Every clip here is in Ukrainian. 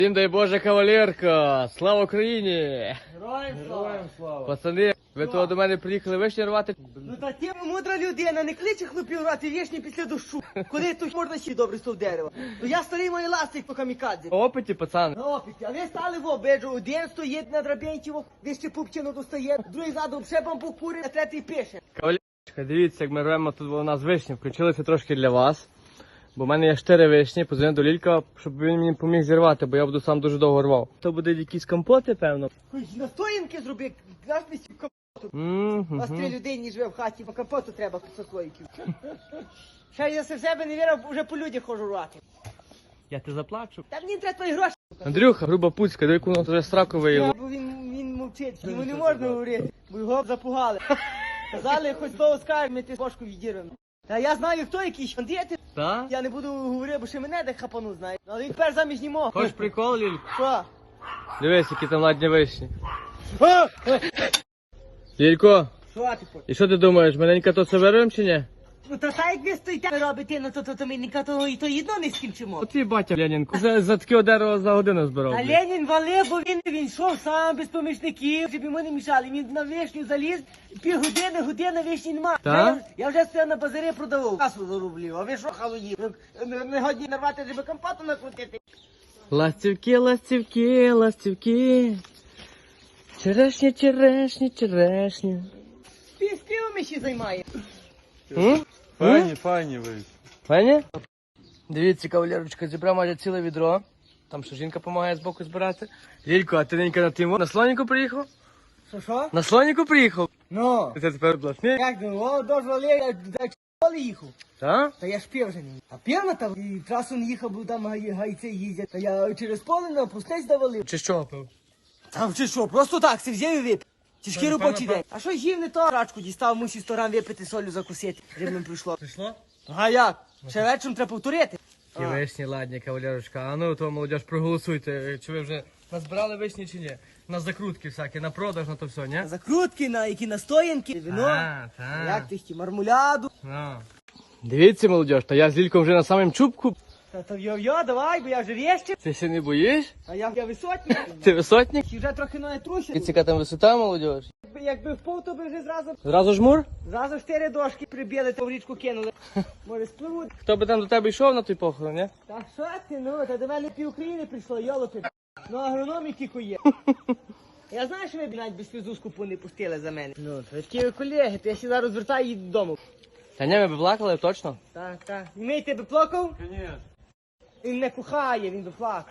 Всім дай Боже, кавалерка! Слава Україні! Героям слава! Пацани, ви того до мене приїхали вишні рвати? Ну та ти мудра людина, не кличе хлопів рвати вішні після дощу. Коли тут можна ще добре стов дерева. Ну я старий мої ластик по камікадзі. По опиті, пацани. На опіті, а ви стали в обиджу. Один стоїть на драбінці, ви ще пупчину достає, другий ззаду ще бамбук курить, а третій пише. Кавалерочка, дивіться, як ми рвемо тут у нас вишні. Включилися трошки для вас. Бо в мене є 4 вишні, позвонив до Лілька, щоб він мені поміг зірвати, бо я буду сам дуже довго рвав. То буде якісь компоти, певно. Хоч настоянки зроби, знаєш, компоту. У вас 3 людини живе в хаті, по компоту треба сослоїків. Ще я в себе не вірив, вже по людях хожу рвати. Я тебе заплачу. Та мені треба твої гроші. Андрюха, груба пуцька, до яку воно вже сраку виїло. Бо він мовчить, йому не можна говорити, бо його запугали. Казали, хоч слово скажеш, ми ти бошку відірвемо. Та я знаю, хто якийсь бандити. Так? Я не буду говорити, бо ще мене де хапану, знаєш. Але він тепер заміж німого. Хочеш прикол, Лілько? Що? Дивись, які там ладні вишні. Лілько, Що ти хочеш? і що ти думаєш, маленька то це вирвем чи ні? Ну та так як ви стоїте робите, ну то ми то єдно не скінчимо. От твій батя Ленінку вже за таке дерево за годину збирав. А блін. Ленін валив, бо він йшов сам без помічників, щоб йому не мішали. Він на вишню заліз, година вишні нема. Так? Я вже стояв на базарі продавав. Касу зароблів, а ви що халуї? Не годні нарвати, щоб компоту накрутити. Ластівки, ластівки, ластівки. Черешні, черешні, черешні. Співами ще займає. Файні ви. Пані? Дивіться, кавалерочка, зібрав майже ціле відро. Там що жінка допомагає збоку збирати. Лілько, а ти ненька на тимо? На слоніку приїхав? Що? На слоніку приїхав? Ну. Це тепер бласний? Як о, дозволи, я школи їхав. Так? Та я ж пів вже не. А півна там, і трасу не їхав, бо там гайці їздять. Та я через поле на пустець давалив. Чи що пив? Там чи що, просто так, це взяв і випив. Тяжкий робочий день. А що їв не то? Рачку дістав, мусив 100 грам випити, солю закусити, щоб ним прийшло. Прийшло? А як? Ще вечором треба повторити. Ті вишні ладні, кавалерочка. А ну, то, молодіж, проголосуйте, чи ви вже назбирали вишні чи ні? На закрутки всякі, на продаж, на то все, ні? Закрутки, на які настоянки, вино. так. Як ти хотів, мармуляду. Ну. Дивіться, молодіж, та я з Лільком вже на самому чубку. Та то йо-йо, давай, бо я вже вещив. Ти ще не боїш? А я висотник. Ти висотник? І вже трохи ноги трусять. Яка там висота, молодіж? Якби впав, то би вже Зразу жмур? зразу 4 дошки прибили, то в річку кинули. Може спливуть. Хто би там до тебе йшов на той похорон, ні? Та що ти, ну, та до мене пів України прийшло, йолопи. Ну, агрономі тільки є. Я знаю, що ви б навіть без фізуску не пустили за мене. Ну, то такі ви колеги, то я ще зараз звертаю її додому. Та ні, ми б плакали, точно. Так. І мій тебе плакав? Ні. Він не кохає, він доплакав.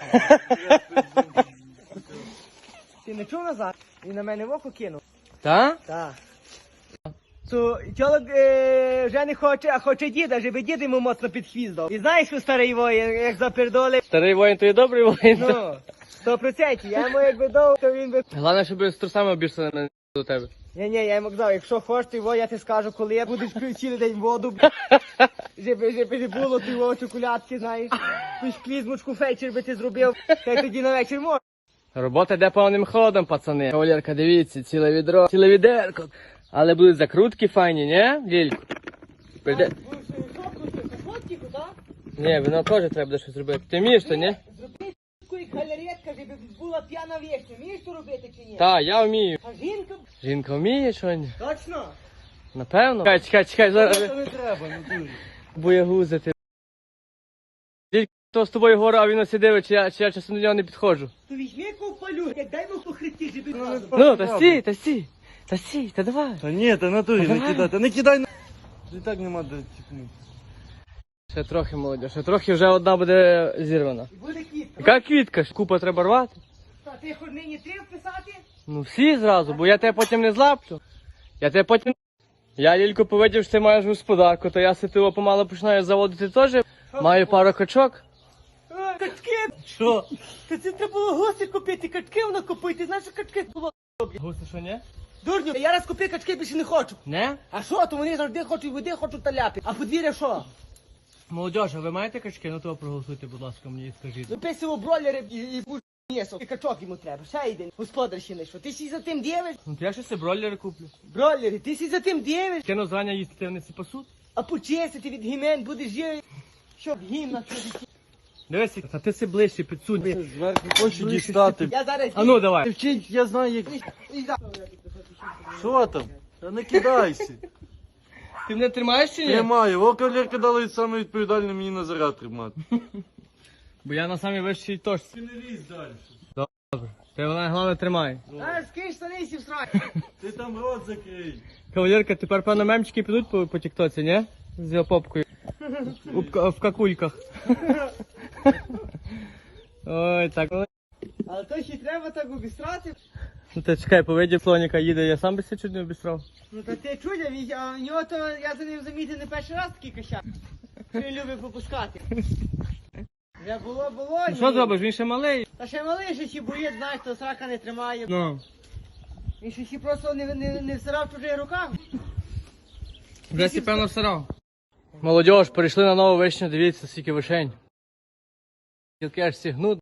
Ти не чув назад? Він на мене в око кинув. Та? Так. То чолок вже не хоче, а хоче діда, щоб дід йому моцно під хвіст дав. І знаєш, що старий воїн, як запердоли? Старий воїн, то є добрий воїн. Ну, 100%. Я йому якби дав, то він би... Головне, щоб з трусами обірся на до тебе. Ні, я йому казав, якщо хочеш, то я ти скажу, коли я будеш пити цілий день воду, щоб не було ти чоколядки, знаєш. Якусь клізмочку фейчер би ти зробив, та й тоді на вечір можна. Робота йде повним ходом, пацани. Кавалерка, дивіться, ціле відро, ціле відерко. Але будуть закрутки файні, ні, Лілько? Прийде... Ні, вино теж треба буде щось зробити. Ти вмієш то, ні? Зроби таку галеретка, щоб була п'яна вічня. Вмієш то робити чи ні? Так, я вмію. А жінка? Жінка вміє що ні? Точно? Напевно. Чекай, зараз Це не треба, ну дуже. боягузити. Лілько, то з тобою гора, а він ось дивить, чи я часом до нього не підходжу. То візьми ковпалю, як дай йому по хребті, щоб він разом. Ну, та стій, та давай. Та ні, та натурі, не кидай, та не кидай. І так нема де тікнути. Ще трохи, молодь, ще трохи вже одна буде зірвана. І буде квітка. Яка квітка? Купа треба рвати. Та ти хоч нині 3 вписати? Ну всі зразу, бо я тебе потім не злаплю. Я Лілько повидів, що ти маєш господарку, то я ситиво помало починаю заводити теж. Маю пару качок. Качки! Що? Та це треба було гуси купити, качки воно купити. Знаєш, що качки було? Гуси, що ні? Дурню, я раз купив качки, більше не хочу. Не? А що, то вони завжди хочуть води, хочуть таляпи. А подвір'я що? Молодіж, а ви маєте качки? Ну то проголосуйте, будь ласка, мені і скажіть. Виписував бройлери і м'ясо. І качок йому треба. Ще один. Господар ще не що. Ти сі за тим дивиш? Ну то я ще себе бройлери куплю. Бройлери, ти сі за тим дивиш? Кину зрання їсти, ти вони ці пасуть? А почистити від гімен будеш жити. Щоб гімна. Дивись, а ти си ближче підсунь. Зверху хочу дістати. Я зараз... А ну давай. Вчить, я знаю, як. І за- Що там? Та не кидайся. Ти мене тримаєш чи ні? Тримаю. О, кавалерка дала саме відповідальне мені на заряд тримати. Бо я на самій вищій точці. Ти не лізь далі. Ти вона головне тримай. А, скинь штани сі в срак. Ти там рот закрий. Кавалерка, тепер певно мемчики підуть по тіктоці, ні? З його попкою. В какульках. Ой, так. Але то ще й треба так обістрати. Ну ти чекай, по виді слоніка їде, я сам би себе чуть не обістрав. Ну то ти чудя, а в нього то я за ним замітив не перший раз такий кощак. Він любить попускати. Вже було, Ну що зробиш, він ще малий. Та ще малий, що ще боїть, знаєш, то срака не тримає. Ну. Він ще просто не всирав в чужих руках. Вже сі певно всирав. Молодіж, перейшли на нову вишню, дивіться, скільки вишень. Гілки аж сігнуть.